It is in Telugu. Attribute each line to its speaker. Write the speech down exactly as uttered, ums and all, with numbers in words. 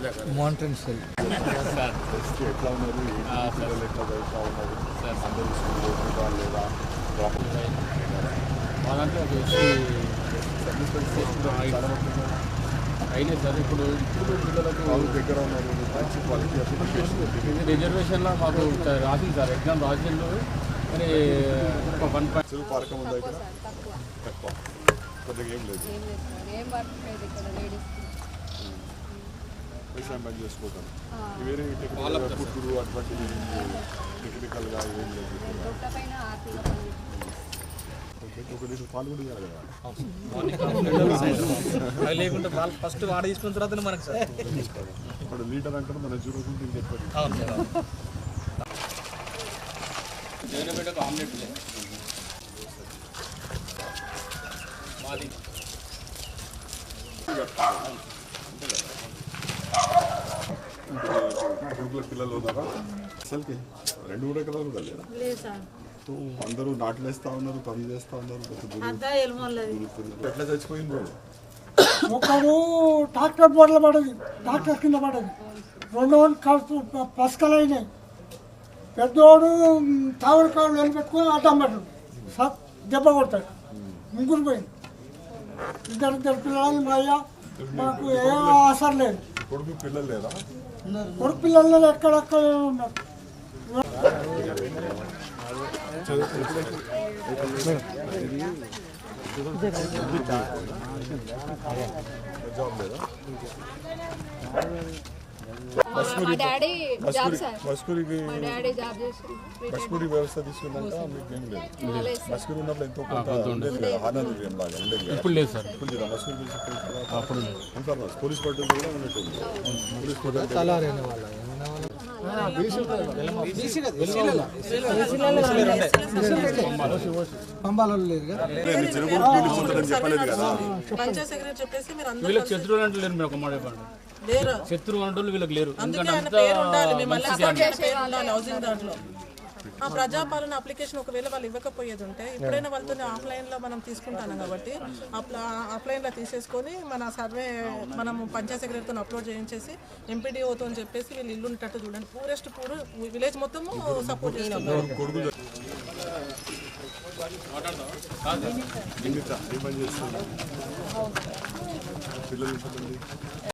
Speaker 1: మౌంటైన్ స్టైల్
Speaker 2: సార్ ఎట్లా ఉన్నారు పిల్లలు ఎట్లా చదువుతూ ఉన్నారు సార్ అందరూ స్కూల్ పోతున్నారు లేదా
Speaker 3: మా దాంట్లో ఒక ఎస్సీ అయినాయి సార్. ఇప్పుడు ఇప్పుడు పిల్లలకు
Speaker 2: వాళ్ళు దగ్గర ఉన్నారు మంచి క్వాలిటీ అప్లికేషన్
Speaker 3: రిజర్వేషన్లో మాకు రాసింది సార్, ఎగ్జామ్ రాసిండు. మరి ఒక వన్ పాయింట్
Speaker 2: పార్కం ఉందా ఇక్కడ తక్కువ కొద్దిగా ఏం లేదు వ్యవసాయం పని చేసుకోవటం వేరే టెక్నికల్ కుట్టుడు అటువంటి టెక్నికల్గా ఏం లేదు. ఒక లీటర్ పాలు కూడా ఇవ్వాలి కదా
Speaker 1: లేకుంటే వాళ్ళు ఫస్ట్ వాడ తీసుకున్న తర్వాత మనకు సార్
Speaker 2: ఇప్పుడు లీటర్ అంటారు మనం చూడకుంటే చెప్పారు.
Speaker 3: జగన్పేటకు ఆమ్లెట్ మాది
Speaker 2: కొడుకుల పిల్లలు ఉన్నారా అసలుకి రెండు కూడా కదా కూడా లేదా అందరూ నాట్లు వేస్తా ఉన్నారు పనులు చేస్తా ఉన్నారు ఎట్లా చచ్చిపోయింది
Speaker 4: ఒకడు ట్రాక్టర్ బోర్ల పడది ట్రాక్టర్ కింద పడది రెండు కడుపు పసకలు అయినాయి పెద్దోడు తావర కాళ్ళు నిలబెట్టుకొని అడ్డం పడ్డాడు సత్ దెబ్బ కొట్టాడు ముగ్గురు పోయింది ఇద్దరు ఇద్దరు పిల్లలు మా అయ్యా మాకు ఏ ఆసర లేదు.
Speaker 2: కొడుకు పిల్లలు లేదా
Speaker 4: కొడుకు పిల్లలు ఎక్కడెక్కడ ఉన్నారు.
Speaker 2: జాబ్ లేదా
Speaker 5: మా డాడీ జాబ్ సార్
Speaker 2: మస్కూరికి
Speaker 5: మా డాడీ జాబ్ చేసి
Speaker 2: మస్కూరి వ్యవస్థ తీసుకున్నాక మీకు ఏం లేదు. మస్కూరి ఉన్నప్పుడు ఎంతో కొంత ఉండేది కదా హానరీయం లాగా ఉండేది కదా.
Speaker 3: ఇప్పుడు లేదు సార్.
Speaker 2: ఇప్పుడు లేదా మస్కూరి తీసుకున్న అప్పుడు ఉంటారు పోలీస్ పట్టు కూడా ఉన్నట్టుంది. పోలీస్ పట్టు
Speaker 4: పంబాలలో లేదు కదా
Speaker 2: చెప్పలేదు కదా.
Speaker 3: వీళ్ళకి శత్రువులు అంటే లేరు. మీరు ఒక మాట చెప్పండి, శత్రువు అంటే వీళ్ళకి లేరు.
Speaker 6: ఆ ప్రజాపాలన అప్లికేషన్ ఒకవేళ వాళ్ళు ఇవ్వకపోయేది ఉంటే ఇప్పుడైనా వాళ్ళతో ఆఫ్లైన్లో మనం తీసుకుంటాను కాబట్టి ఆఫ్లైన్లో తీసేసుకొని మన సర్వే మనం పంచాయత్ సెక్రటరీతో అప్లోడ్ చేయించేసి ఎంపీడీఓతో అని చెప్పేసి వీళ్ళు ఇల్లు ఉండేటట్టు చూడండి. పూరెస్ట్ పూర్ విలేజ్ మొత్తము సపోర్ట్ చేస్తున్నారు.
Speaker 2: పిల్లలు